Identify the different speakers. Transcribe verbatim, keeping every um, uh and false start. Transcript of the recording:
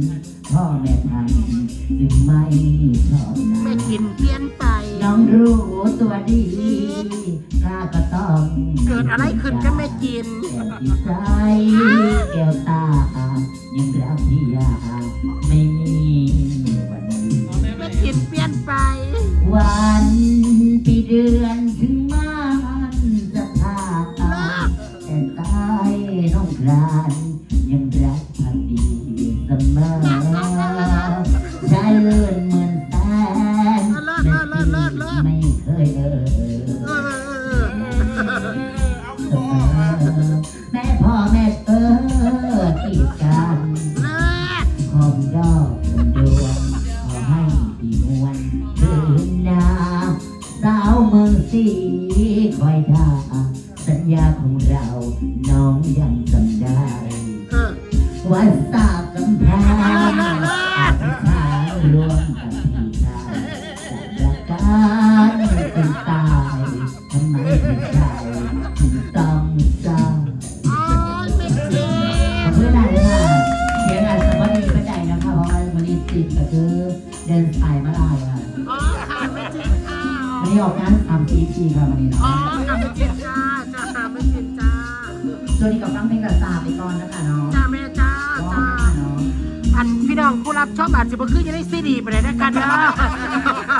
Speaker 1: พ่อแม่ทันจึงไม่ชอบนา
Speaker 2: ไม่กินเพี้ยนไป
Speaker 1: น้องรู้ตัวดีข้าก็ต้อง
Speaker 2: เกิดอะไรขึ้นก็ไม่กิน
Speaker 1: แต่จิตใจแก้วตายังรักพี่ยาไม่มีวันนี้
Speaker 2: ไม่กินเพี้ยนไป
Speaker 1: วันปีเดือนถึงมันจะพาแต่ตายน้องกรานยังรักพักดีเสมอใจเลื่อนเหมือนแสนไม่เคยเออแม่พ่อแม่เออกีดกันหอมดอกดวงขอให้พี่นวลคืนนาสาวเมืองสีคอยท่าสัญญาของเราน้องยังจำได้วันสาบกำแพงอาจจะขารวมกับพี่ชายจากการเป็นตายทำไมพี่ชายถึงต้องเศร้าเพื่อนอะไรค่ะเสียงอาจจะพอดีก็ได้นะคะเพราะว่าวันนี้ติดก็คือเดินสายมาลายค่ะ
Speaker 2: อ๋อค่ะไม่จริงค่ะ
Speaker 1: วันนี้ออกงานทำทีทีค่ะวันนี้เนาะ
Speaker 2: อ๋อค่ะไม่จริงจ้าจ้าค่ะไม่จริงจ้า
Speaker 1: ช่วงนี้กับฟังเพลงกระซาไปก่อนนะคะเนาะ
Speaker 2: จ้าแม่จ้าจ้าอันพี่น้องผู้รับชอบอาจจะมาขึ้นยังได้ซีดีไปเลยนะคะเนาะ